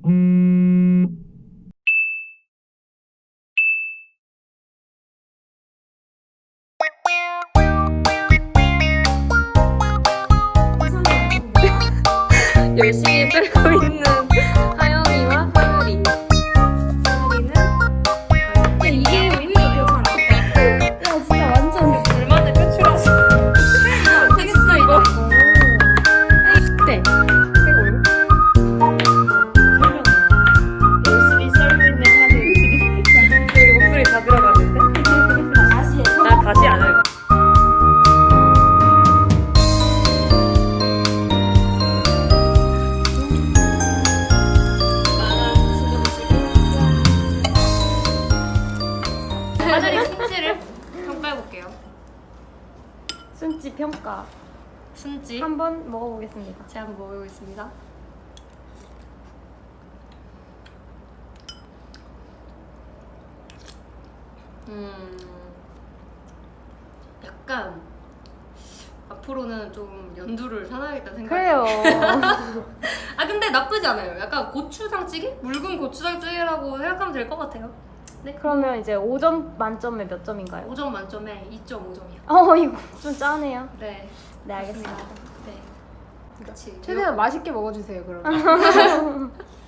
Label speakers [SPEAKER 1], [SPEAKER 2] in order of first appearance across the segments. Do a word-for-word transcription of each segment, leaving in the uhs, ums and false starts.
[SPEAKER 1] 열심히 끌고 있는 하영이와 하율이. 하율이는 근데 이게 의미가 되게 야 진짜 완전 불만을 표출하시. 근데 진짜 이거 네. 열심히 썰고 있는 하늘. 여기 목소리 다 들어가는데? 다시 해. 나 다시 안 해요. 하늘이 순지를 평가해볼게요.
[SPEAKER 2] 순지 평가
[SPEAKER 1] 순지
[SPEAKER 2] 한번 먹어보겠습니다.
[SPEAKER 1] 제가 한번 먹어보겠습니다. 음, 약간 앞으로는 좀 연두를 사놔야겠다는 생각이.
[SPEAKER 2] 그래요.
[SPEAKER 1] 아 근데 나쁘지 않아요. 약간 고추장찌개? 묽은 고추장찌개라고 생각하면 될 것 같아요. 네.
[SPEAKER 2] 그러면 이제 오 점 만점에 몇 점인가요?
[SPEAKER 1] 오 점 만점에 이 점 오 점이요.
[SPEAKER 2] 어 이거 좀 짜네요.
[SPEAKER 1] 네.
[SPEAKER 2] 네 알겠습니다.
[SPEAKER 1] 네. 그렇지.
[SPEAKER 3] 최대한 맛있게 먹어주세요 그럼.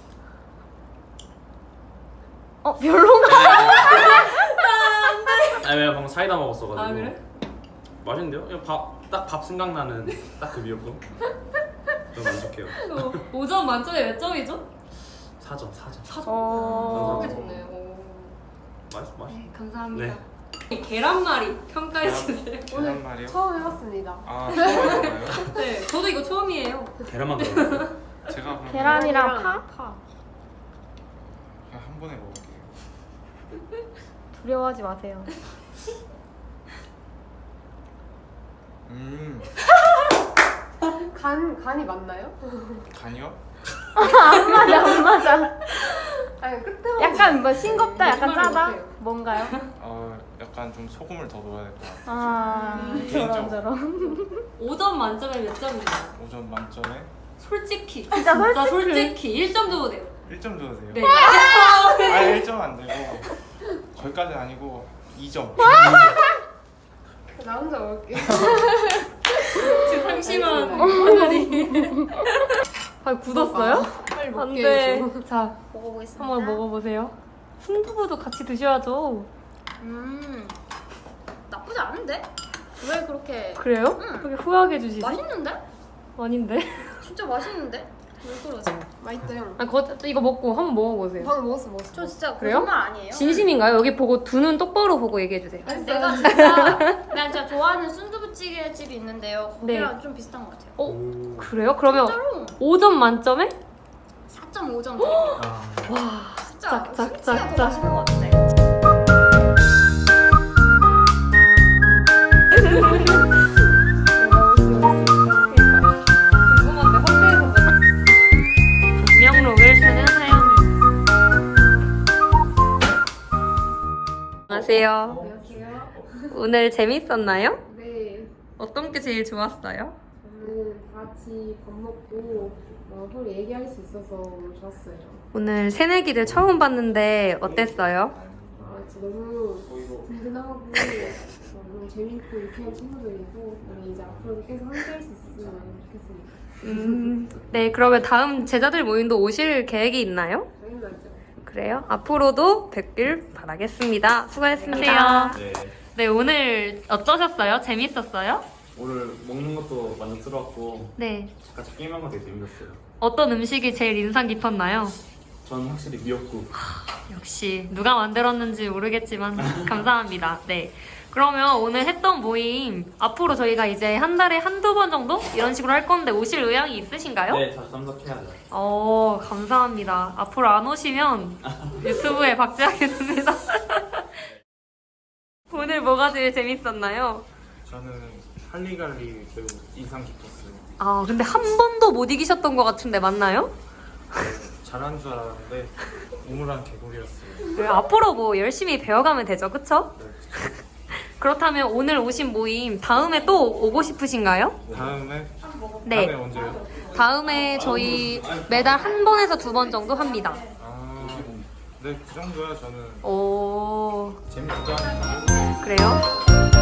[SPEAKER 2] 어 별로인가?
[SPEAKER 4] 아니 내가 방금 사이다 먹었어가지고.
[SPEAKER 1] 아 그래?
[SPEAKER 4] 맛있는데요? 그냥 밥, 딱 밥 생각나는 딱 그 미역국. 좀 만족해요.
[SPEAKER 1] 오 점 만점에 몇 점이죠?
[SPEAKER 4] 사 점, 사 점.
[SPEAKER 1] 사 점.
[SPEAKER 2] 어.
[SPEAKER 1] 꽤 좋네요. 오.
[SPEAKER 4] 맛있어, 맛있어.
[SPEAKER 1] 네, 감사합니다.
[SPEAKER 4] 네.
[SPEAKER 1] 이 계란말이 평가해 주세요.
[SPEAKER 3] 오늘
[SPEAKER 5] 말이요?
[SPEAKER 3] 처음 해봤습니다.
[SPEAKER 5] 아 처음 해봐요?
[SPEAKER 1] 네, 저도 이거 처음이에요.
[SPEAKER 4] 계란만 들어가요.
[SPEAKER 5] 제가 그럼
[SPEAKER 2] 계란이랑 파?
[SPEAKER 1] 파.
[SPEAKER 5] 그냥 한 번에 먹을게요.
[SPEAKER 2] 두려워하지 마세요.
[SPEAKER 5] 음
[SPEAKER 3] 간 간이 맞나요?
[SPEAKER 5] 간이요?
[SPEAKER 2] 안 맞아 안 맞아.
[SPEAKER 3] 아니 끝에
[SPEAKER 2] 약간 뭐 싱겁다 약간
[SPEAKER 1] 정말
[SPEAKER 2] 짜다?
[SPEAKER 1] 못해요.
[SPEAKER 2] 뭔가요?
[SPEAKER 5] 어 약간 좀 소금을 더 넣어야 될 것 같아요.
[SPEAKER 2] 아
[SPEAKER 1] 음,
[SPEAKER 2] 저런
[SPEAKER 5] 개인적으로.
[SPEAKER 2] 저런.
[SPEAKER 1] 오 점 만점에 몇 점인가요?
[SPEAKER 5] 오 점 만점에
[SPEAKER 1] 솔직히.
[SPEAKER 2] 진짜 솔직히.
[SPEAKER 1] 솔직히 일 점 줘도 돼요.
[SPEAKER 5] 일 점 줘도 돼요?
[SPEAKER 1] 네.
[SPEAKER 5] 아 일 점 안 되고 거기까지는 아니고 이 점.
[SPEAKER 3] 나 혼자 먹을게요.
[SPEAKER 1] 지금 상심한 하늘이. 아 굳었어요?
[SPEAKER 3] 빨리
[SPEAKER 1] 안
[SPEAKER 3] 먹게
[SPEAKER 1] 돼.
[SPEAKER 3] 해줘.
[SPEAKER 1] 자,
[SPEAKER 2] 먹어보겠습니다.
[SPEAKER 1] 한번 먹어보세요. 순두부도 같이 드셔야죠.
[SPEAKER 2] 음 나쁘지 않은데? 왜 그렇게
[SPEAKER 1] 그래요?
[SPEAKER 2] 응.
[SPEAKER 1] 그렇게 후하게 주시지?
[SPEAKER 2] 맛있는데?
[SPEAKER 1] 아닌데?
[SPEAKER 2] 진짜 맛있는데? 왜 그러지?
[SPEAKER 3] 맛있대요.
[SPEAKER 1] 아, 거, 이거 먹고 한번 먹어보세요.
[SPEAKER 3] 방금 먹었어 먹었어.
[SPEAKER 2] 저 진짜
[SPEAKER 1] 그래요?
[SPEAKER 2] 거짓말 아니에요?
[SPEAKER 1] 진심인가요? 여기 보고 두 눈 똑바로 보고 얘기해주세요.
[SPEAKER 2] 아니, 내가 진짜 내가 진짜 좋아하는 순두부찌개 집이 있는데요. 거기랑
[SPEAKER 1] 네.
[SPEAKER 2] 좀 비슷한 것 같아요.
[SPEAKER 1] 어?
[SPEAKER 4] 오.
[SPEAKER 1] 그래요? 그러면
[SPEAKER 2] 진짜로
[SPEAKER 1] 오 점 만점에?
[SPEAKER 2] 사 점 오 점 드릴게요.
[SPEAKER 4] 아,
[SPEAKER 1] 와,
[SPEAKER 2] 진짜
[SPEAKER 1] 짝, 짝,
[SPEAKER 2] 순치가
[SPEAKER 1] 짝,
[SPEAKER 2] 더
[SPEAKER 1] 짝.
[SPEAKER 2] 맛있는 것 같아.
[SPEAKER 1] 궁금한데 확대해서 명록을 쓰는 하영이. 안녕하세요.
[SPEAKER 3] 안녕하세요.
[SPEAKER 1] 오늘 재밌었나요?
[SPEAKER 3] 네.
[SPEAKER 1] 어떤 게 제일 좋았어요?
[SPEAKER 3] 저는 다 같이 밥 먹고 어, 서로 얘기할 수 있어서 너무 좋았어요.
[SPEAKER 1] 오늘 새내기들 처음 봤는데 어땠어요?
[SPEAKER 3] 아 진짜 너무 든든하고 어, 너무 재밌고 유쾌한 친구들이고 우리 이제 앞으로도 계속 함께할 수 있으면 좋겠습니다.
[SPEAKER 1] 음, 네, 그러면 다음 제자들 모임도 오실 계획이 있나요?
[SPEAKER 3] 당연하죠.
[SPEAKER 1] 그래요? 앞으로도 뵙길 바라겠습니다. 수고했습니다.
[SPEAKER 4] 네.
[SPEAKER 1] 네, 오늘 어떠셨어요? 재밌었어요?
[SPEAKER 4] 오늘 먹는 것도 만족스러웠고
[SPEAKER 1] 네.
[SPEAKER 4] 같이 게임한 거 되게 재밌었어요.
[SPEAKER 1] 어떤 음식이 제일 인상 깊었나요?
[SPEAKER 4] 저는 확실히 미역국.
[SPEAKER 1] 역시 누가 만들었는지 모르겠지만 감사합니다. 네. 그러면 오늘 했던 모임 앞으로 저희가 이제 한 달에 한두 번 정도 이런 식으로 할 건데 오실 의향이 있으신가요?
[SPEAKER 4] 네, 자주 참석해야죠.
[SPEAKER 1] 어, 감사합니다. 앞으로 안 오시면 유튜브에 박제하겠습니다. 오늘 뭐가 제일 재밌었나요?
[SPEAKER 5] 저는 할리갈리 매우 인상 깊었어요.
[SPEAKER 1] 아, 근데 한 번도 못 이기셨던 것 같은데 맞나요?
[SPEAKER 5] 잘하는 줄 알았는데 우물한 개구리였어요.
[SPEAKER 1] 네, 앞으로 뭐 열심히 배워가면 되죠, 그쵸?
[SPEAKER 5] 네.
[SPEAKER 1] 그렇다면 오늘 오신 모임 다음에 또 오고 싶으신가요?
[SPEAKER 5] 다음에
[SPEAKER 1] 네.
[SPEAKER 5] 다음에 언제요?
[SPEAKER 1] 다음에 저희 매달 한 번에서 두 번 정도 합니다.
[SPEAKER 5] 아, 네, 그 정도야 저는
[SPEAKER 1] 오,
[SPEAKER 5] 재밌기도 하니까.
[SPEAKER 1] 그래요?